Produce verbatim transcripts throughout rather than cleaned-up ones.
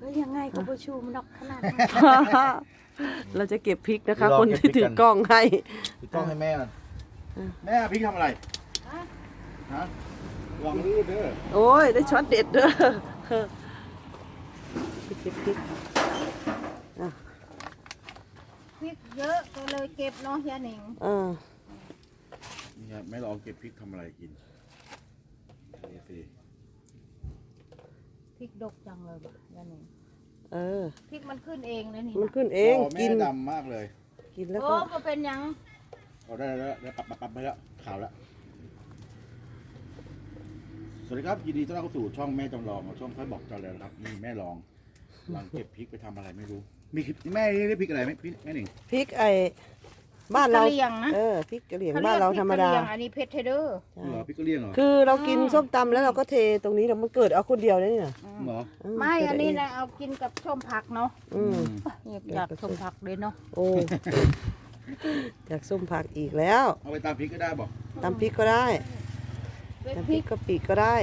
เฮ้ยยังไงก็ประชุมนอกขนาดนั้นเราจะเก็บพริกนะคะ คนที่ถือกล้องให้ถือกล้องให้แม่ก่อนแม่พริกทำอะไรฮะลองรูดเด้อโอ้ยได้ช็อตเด็ดเด้อไปเก็บพริกอ่ะพริกเยอะก็เลยเก็บเนาะยาหนิงเออนี่ครับแม่ลองเก็บพริกทำอะไรกินนี่สิพริกดกจังเลยบ่ะยาหนิงเออพริกมันขึ้นเองเลยนี่มันนะขึ้นเองอ๋อกิแม่นดำมากเลยกินแล้วโอ้ก็ก็เป็นหยังเอาได้แล้วได้ปรับปรับปรับไปแล้วขาวแล้วสวัสดีครับยินดีต้อนรับเข้าสู่ช่องแม่จำลองช่องค่อยบอกจอแล้วนะครับนี่แม่ลองลองเก็บพริกไปทำอะไรไม่รู้มีคลิปแม่เรียกพริกอะไรไหมพี่แม่หนิงพริกไอ้บ้านเรากะเหรี่ยงนะเออพริกกะเหรี่ยงขบ้านเราพกธรรมดากะเหยงอันนี้เพชรเทเดอร์ใช่เหรอพริกกะเหรี่ยงเหรอคือเรากินส้มตำแล้วเราก็เทตรงนี้แล้วมันเกิดเอาคนเดียวเลยเนี่ยเหรอไม่เกิดอันเานี้งนะเอากินกับส้มผักเนาะอืมอยากส้มผักเลยเนาะโอ้จากส้มผักอีกแล้วเอาไปตามพริกก็ได้บอกตำพริกก็ได้เป็นตำพพริริกกกะปิก็ได้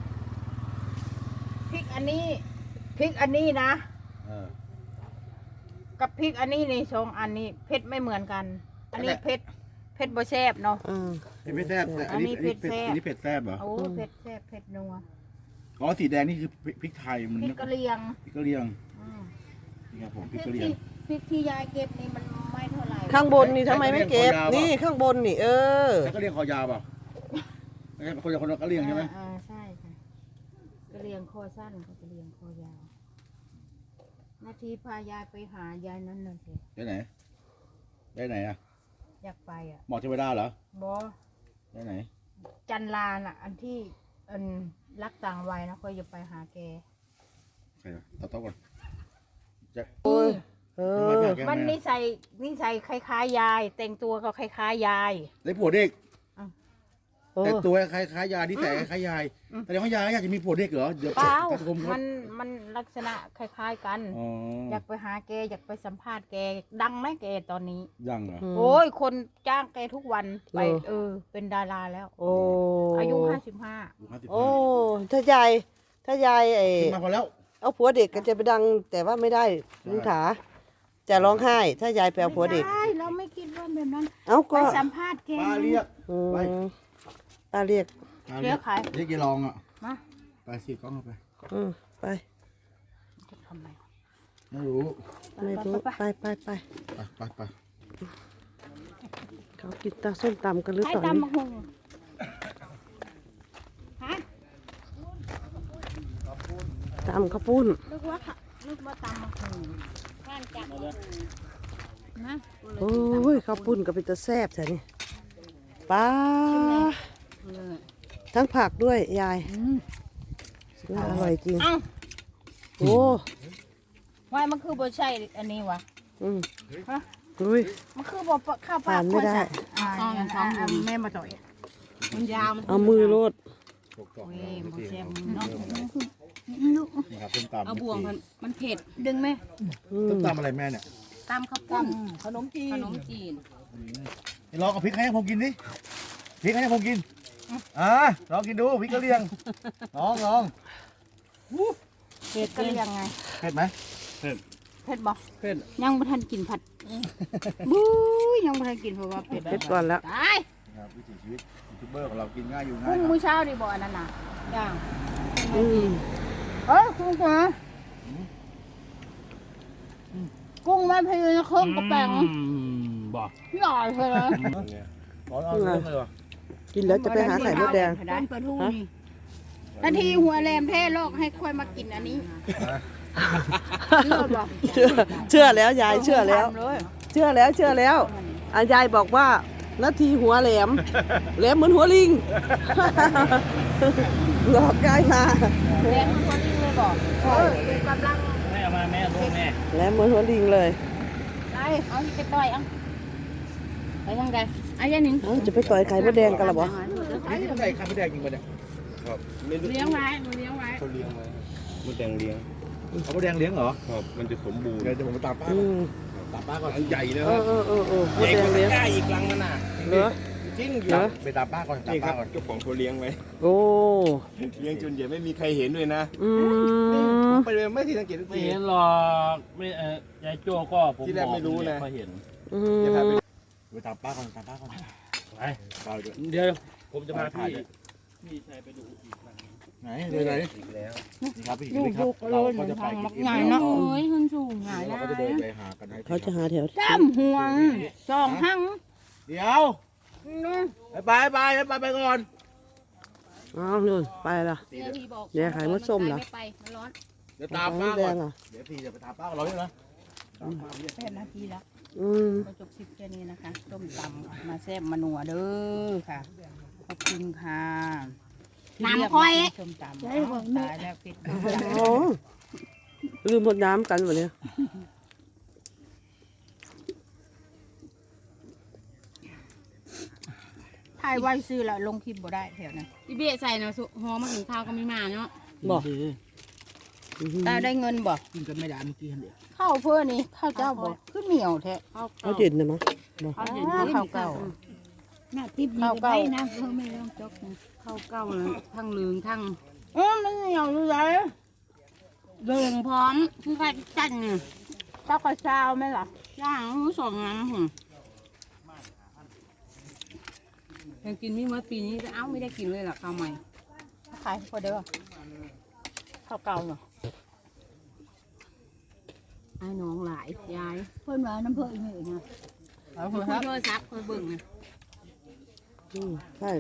พริกอันนี้พริกอันนี้นะเออกับพริกอันนี้ในสองอันนี้เผ็ดไม่เหมือนกัน อันนี้เผ็ดเผ็ดบ่แซ่บเนาะอืมเผ็ดแซ่บแต่อันนี้อัอันนนี้นี้เผ็ดเผ็ดแซ่บอันนี้เผ็ดแซ่บเหรอโอ้เผ็ดแซ่บเผ็ดนัวอ๋อสีแดงนี่คือพริกไทยมันพริกกะเหรี่ยงพริกกะเหรี่ยงอืมนี่ครับผมพพริริกกกะเหรี่ยงที่พริกที่ยายเก็บนี่มันไม่เท่าไหร่ข้างบนนี่ทำไมไม่เก็บใช้กระเรียงคอยาวนี่ข้างบนนี่ เออแต่กะเหรี่ยงคอยาวเปล่าไม่ใช่คนละคนละกะเหรี่ยงใช่ไหมอ่าใช่ค่ะกะเหรี่ยงคอสั้นกับกะเหรี่ยงคอยาวนาทีพายายไปหายายนั่นน่ะสิได้ไหนได้ไหนอ่ะอยากไปอ่ะหมอเทวดาเหรอบอได้ไหนจันลาน่ะ อันที่อันรักต่างวัยนะคอยจะไปหาแกใครอ่ะต่อต่อก่อนจะโอ้ย เอทำไมอแปลกแกมันแม่นิสัยนิสัยคล้ายๆยาย แต่งตัวก็คล้ายๆยายได้ผัวเด็กเออแต่ตัวคล้ายคล้ายยายที่แต่คล้ายยายอืมแต่เดี๋ยวเขายายอยากจะมีผัวเด็กเหรอเดี๋ยวเปล่าจะชมเขามันมันลักษณะคล้ายๆกันอ๋ออยากไปหาแกอยากไปสัมภาษณ์แกดังไหมแกตอนนี้ยังเหรออืมโอ้ยคนจ้างแกทุกวันไปเหรอเออ เป็นดาราแล้วโอ้อายุห้าสิบห้าอยู่ห้าสิบโอ้ห้าถ้ายาย ถ้ายายไอ้ขึ้นมาพอแล้วเอาผัวเด็กก็จะไปดัง แต่ว่าไม่ได้ลุงถา จะร้องไห้ ถ้ายายไปเอาผัวเด็กไม่ได้เราไม่คิดว่าแบบนั้นเอ้าไปก็สัมภาษณ์แกป้าเรียกอืมไปป้าเรียกป้าเรียกใครเรียกยายรองอ่ะมาไปสิกล้องเอาไปอืมไปจะทำไมไม่รู้ไม่รู้ไปไปไปไปไปไปไปเขากินตาส้มตำกันหรือให้เปล่าตำนี่มะฮงฮะตำข้าวปุ้นนึกว่าค่ะนึกว่าตำมะฮงแค่จับนะโอ้ยข้าวปุ้นก็เป็นตะแซ่บแท้นี่ป้าทั้งผักด้วยยายน่าอร่อยจริงเอ้าโอ้วายมันคือบ่ใช่อันนี้วะอืมฮะอุ้ยมันคือบ่ข้าวปลาผ่านไม่ได้อ่าอ่าอ่าอ่าแม่มาต่อยมันยาวมันเอามือโลดถูกต้องเว้ยบ่แซ่บเนาะนี่ครับส้มตำเอาบ่วงมันมันเผ็ดดึงไหมอืมส้มตำอะไรแม่เนี่ยตามข้าวปุ้นขนมจีขนนมจีนลองเอาพริกให้ผมกินดิพริกให้ผมกินอ่าลองกินดูพริกกะเหรี่ยงลองลองเผ็ดก็เรียงไงเผ็ดไหมเผ็ดบ่เผ็ดยังบ่ทันกินผัดบู๊ยยังบ่ทันกินเพราะว่าเผ็ดเผ็ดก่อนแล้วตายครับวิถีชีวิตยูทูบเบอร์ของเรากินง่ายอยู่ง่ากุ้ยงครับมื้อเช้านี่บ่อันนั้นน่ะย่างอืมเอ้ยกุ้งก่อนกุ้งแม่พยูนเครื่องกระแปงบ่พี่อ่อยเลยนะร้อนเอาเรื่องเลยวะกินแล้วจะไปหาไข่มดแดงต้นปลาทูนี่นาทีหัวแรมเท่โลกให้ค่อยมากินอันนี้เลิศบ่เชื่อเชื่อแล้วยายเชื่อแล้วทำเลยเชื่อแล้วเชื่อแล้วอายายบอกว่านาทีหัวแหลมแหลมเหมือนหัวลิง หลอกยายมาแรงมันตัวนี้เลยบอกเออดูกำลังแม่มาแม่ลูกแม่แหลมเหมือนหัวลิงเลยไปเอาไปต่อยเอาไปทางใดไอ้ยันหนิงเอ้าจะไปต่อยไข่มดแดงกันหรอบ่นี่ที่ใส่ข้าวแดงจริงป่ะเนี่ยครับไม่รู้เลี้ยงไว้มันเลี้ยงไว้เขาเลี้ยงไว้มดแดงเลี้ยงข้าวแดงเลี้ยงเหรอครับมันจะสมบูรณ์เดี๋ยวจะผมไปตามป้าอืก่อนมตามป้าก่อนอันใหญ่นะเอครัอบ เออเออเออมใหดญ่แดกงว่าเลี้ยงตะกร้าอีกลังมันน่ะเหรอจริงอยู่เหรอไปตามป้าก่อนตามนี่คป้ารับก่อนเจ้าของเขาเลี้ยงไว้โอ้เลี้ยงจนเดี๋ยวไม่มีใครเห็นด้วยนะอืมไปเลยไม่ทีสังเกตทุกไม่ทีเห็นหรอกไม่เออยายโจ้ก็ผมที่แรกไม่รู้นะพอเห็นอืจะพาไปมไปตามป้าก่อนตามป้าก่อนไปป้าด้วยเดี๋ยวผมจะพาพี่พี่ชายไปดูอีกหลังไหนเลยไหนอีกแล้วนี่ครับพี่ลูนี่กครัลูบกก็เราเลยก็จะไปทางมักกินใหญ่เนาะโอ้ยขึ้นสูงหงายเราแล้ก็จะเดินวไปหากันให้เขาจะหาแถวจ้ำห่วงสองหังเดี๋ยวไปไปไปไปไปก่อนอ้าวนู่นไปละเดี๋ยวพี่บอกเดี๋ยวขายมดส้มเหรอไม่ไปมันร้อนเดี๋ยวตามป้าแดก่อนงอ่ะเดี๋ยวพี่จะไปตามป้ากับเราใช่ไหมแปดนาทีแล้วอืมก็จบคลิปแค่นี้นะคะต้มตำมาแซ่บมาหนัวเด้อค่ะขอบคุณค่ะน้ำค่อยต้มตำตายแล้วปิดอ๋อลืมหมดน้ำกันวันนี้ถ่ายไว้ซื้อแล้วลงคลิปบ่ได้แถวนั้นพี่เบี้ยใส่นะสุหอมาถึงข้าวก็ไม่มาเนาะบอกตาได้เงินบ่กินกันไม่ได้เมื่อกี้เดียวข้าวเพื่อนี่ข้าวเจ้าบ่ขึ้นเหนียวแท้ข้าวเขาเจ็ดนะมั้งบอกข้าวเย็นข้าวเก่าหน้าติ๊บข้าวเก่านะเพิ่มไม่ต้องจกนะข้าวเก้าเลยทั้งเหลืองทั้งเออมันเหนียวอยู่ไหนเหลืองพร้อมคือใครจันเนี่ยเจ้ากระเช้าไหมล่ะย่างรู้สองงานหุ่นยังกินไม่เมื่อปีนี้เอ้าไม่ได้กินเลยหรอข้าวใหม่ขายพอเด้อข้าวเก่าเนาะไอ้น้องหลายยายเพิ่นว่าน้ำเพิ่นอีกนี่นะเอาคุเถยอะครับโทรศัพท์คุยเบิ่งนะอืมใช่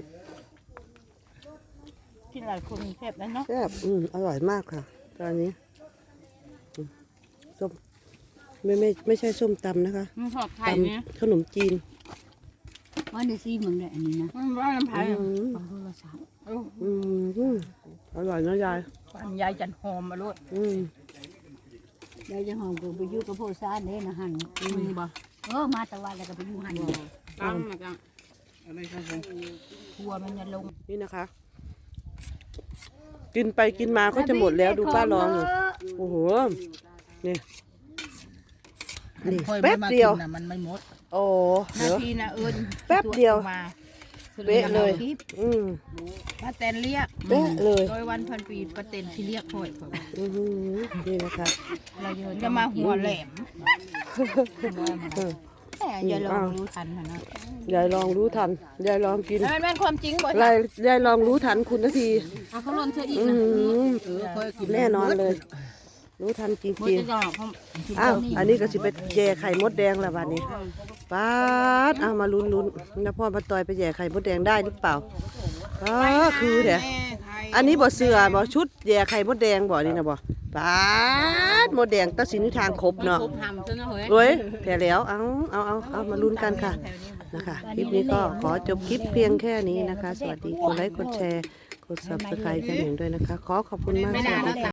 กินหลายคนแซ่บแล้วเนาะแซ่บอืมอร่อยมากค่ะตอนนี้อืมส้มไม่ไม่ไม่ใช่ส้มตำนะคะมันสอบไทตยเนี่ยำขนมจีนว่าได้ซีมึงได้อันนี้นะมันว่าน้ำพายอืมเอาโทรศัพท์อืมอืมอร่อยนะยายปันยายจันหอมมาลูกอืมได้จะหอมกูไปอยู่กับพ่อซ่านเด้นะหันมึงบ่เออมาตะวันแล้วก็ไปอยู่หันตั้งมาจังทัวมันจะลงนี่นะคะ กินไปกินมาก็จะหมดแล้วดูป้าลองอยู่โอ้โหนี่นี่แป๊บเดียวมันไม่หมดโอ้นาเดี๋ยวทีนะเอิญแป๊บเดียวมาเป๊ะเลย อืมป้าแตนเรียกเป๊ะเลยโดยวันพันปีป้าแตนที่เรียกค่อยค่อยอือหือนี่นะคะเราจะมาหัวแหลมเออแต่อย่าลองรู้ทันนะยายลองรู้ทันยายลองกินมันเป็นความจริงบ่ยายยายลองรู้ทันคุณนาทีเอาเขาล่นเธออีกอืนะมเออเคยกินแน่นอนเลย รู้ทันจมันริงจะดอกเขาๆอ้าวอันนี้ก็สิไปแย่ไข่มดแดงแล้ววันนี้ป้าดเอามาลุ้นลุ้นๆนะพ่อมาต่อยไปแย่ไข่มดแดงได้หรือเปล่าอ๋อคือเดี๋ยวอันนี้บ่เสือบ่ชุดแย่ไข่มดแดงบ่นี่นะบ่ป้าดมดแดงตัดสินทางครบเนาะครบทำซะนะเฮ้ยเฮ้ยแผ่แล้วเอาเอาเอาเอามาลุ้นกันค่ะนะคะคลิปนี้ก็ขอจบคลิปเพียงแค่นี้นะคะ สวัสดีกดไลค์กดแชร์กด ซับสไครบ์กันหนึ่งด้วยนะคะ ขอขอบคุณมากไม่สนานวัสแล้ดีวค่ะ